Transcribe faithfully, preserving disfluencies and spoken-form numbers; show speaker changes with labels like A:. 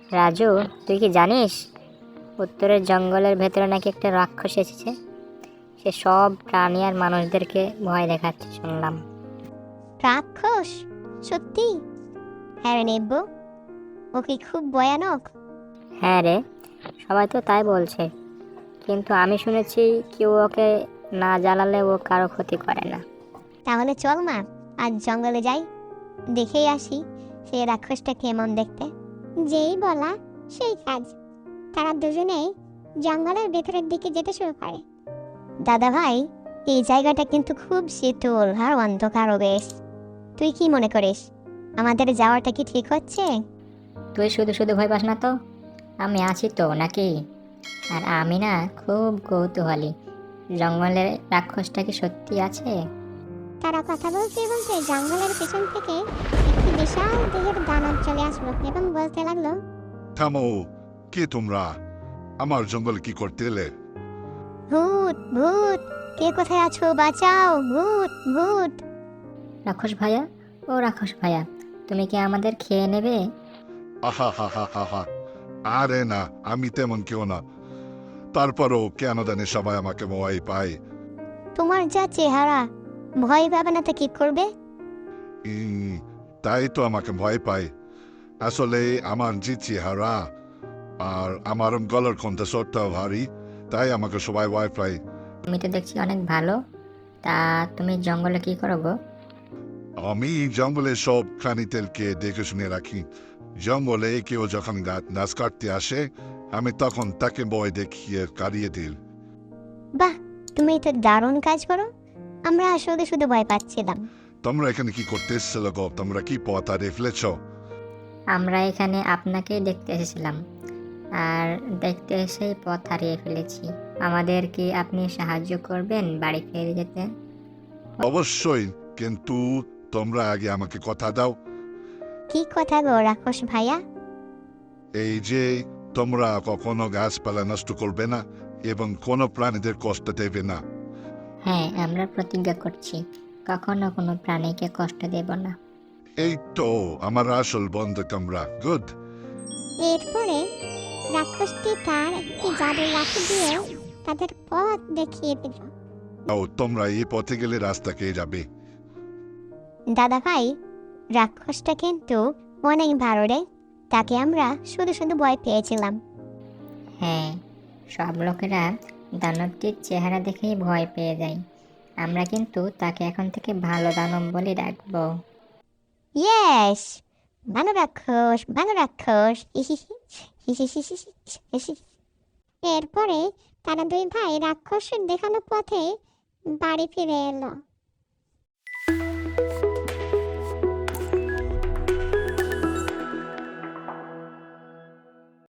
A: রাজু, তুই কি জানিস উত্তরের জঙ্গলের ভেতরে নাকি একটা রাক্ষস এসেছে? সে সব প্রাণী আর মানুষদেরকে ভয় দেখাচ্ছে শুনলাম।
B: রাক্ষস? সত্যি? হ্যাঁ রে নেব্বু, ও কি খুব ভয়ানক?
A: হ্যাঁ রে, সবাই তো তাই বলছে, কিন্তু আমি শুনেছি কেউ ওকে না জ্বালালে ও কারো ক্ষতি করে না।
B: তাহলে চল মা, আজ জঙ্গলে যাই, দেখেই আসি সেই রাক্ষসটা কেমন দেখতে। যেই বলা সেই কাজ। তারা দুজনেই জঙ্গলের ভেতরের দিকে যেতে শুরু করে। দাদা ভাই, এই জায়গাটা কিন্তু খুব শীতল আর অন্ধকারও বেশ। তুই কি মনে করিস, আমাদের যাওয়াটা কি ঠিক হচ্ছে?
A: তুই শুধু শুধু ভয় পাস না তো, আমি আছি তো নাকি। আর আমি না খুব কৌতূহলী, জঙ্গলের রাক্ষসটা কি সত্যি আছে?
B: তারা কথা বলতে বলতে জঙ্গলের পেছন থেকে একটি বিশাল দেহের দানব চলে আসলো এবং বলতে লাগলো,
C: থামো, কে তোমরা? আমার জঙ্গলে কি করতে এলে?
B: ভূত ভূত, কে কোথায় আছো, বাঁচাও, ভূত ভূত।
A: রাক্ষস ভাইয়া, ও রাক্ষস ভাইয়া, তুমি কি আমাদের খেয়ে নেবে?
C: আহা হা হা হা হা। আরে না, আমি তেমন কেউ না। তারপরও কেন জানি সবাই আমাকে ভয় পায়।
B: তোমার যা চেহারা, ভয় পাবে না তো কি করবে?
C: উম, তাই তো আমাকে ভয় পায়। আসলে আমার যে চেহারা আর আমার গলার কণ্ঠস্বরটা ভারী, তাই আমাকে সবাই ভয় পায়।
A: তুমি তো দেখছি অনেক ভালো। তা তুমি জঙ্গলে কি করো গো?
C: আমি জঙ্গলে সব প্রাণীদেরকে দেখে শুনে রাখি। জঙ্গলে কেউ যখন গাছ কাটতে আসে, আমি তখন তাকে ভয় দেখিয়ে কারিয়ে দিই।
B: বাহ, তুমি তো দারুণ কাজ করো। আমরা শুধু শুধু ভয় পাচ্ছিলাম।
C: তোমরা এখানে কি করতে এসেছিল গো? তোমরা কি পথ হারিয়ে ফেলেছ?
A: আমরা এখানে আপনাকেই দেখতে এসেছিলাম, আর দেখতে এসেই পথ হারিয়ে ফেলেছি। আমাদের কি আপনি সাহায্য করবেন বাড়ি ফিরে যেতে?
C: অবশ্যই, কিন্তু তোমরা আগে আমাকে কথা দাও।
B: কি কথা গো রাক্ষস ভাইয়া?
C: এই যে তোমরা কখনো গাছপালা নষ্ট করবে না এবং কোনো প্রাণীদের কষ্ট দেবে না।
A: হ্যাঁ, আমরা প্রতিজ্ঞা করছি কখনো কোনো প্রাণীকে কষ্ট দেব না।
C: এই তো আমার আসল বন্ধু তোমরা। গুড।
B: এরপরে রাক্ষসটি তার একটি জাদুর লাঠি দিয়ে তাদের পথ দেখিয়ে দিল।
C: ও, তোমরা এই পথে গেলে রাস্তাকে যাবে।
B: দাদা ভাই, রাক্ষসটা কিন্তু অনেক ভালো রে। তাকে আমরা শুধু শুধু ভয় পেয়েছিলাম।
A: হ্যাঁ, সব লোকেরা দানবটির চেহারা দেখেই ভয় পেয়ে যায়। আমরা কিন্তু তাকে এখন থেকে ভালো দানব বলে ডাকবো।
B: ইয়েস, ভালো রাক্ষস, ভালো রাক্ষস। এরপরে তারা দুই ভাই রাক্ষসের দেখানো পথে বাড়ি ফিরে এলো।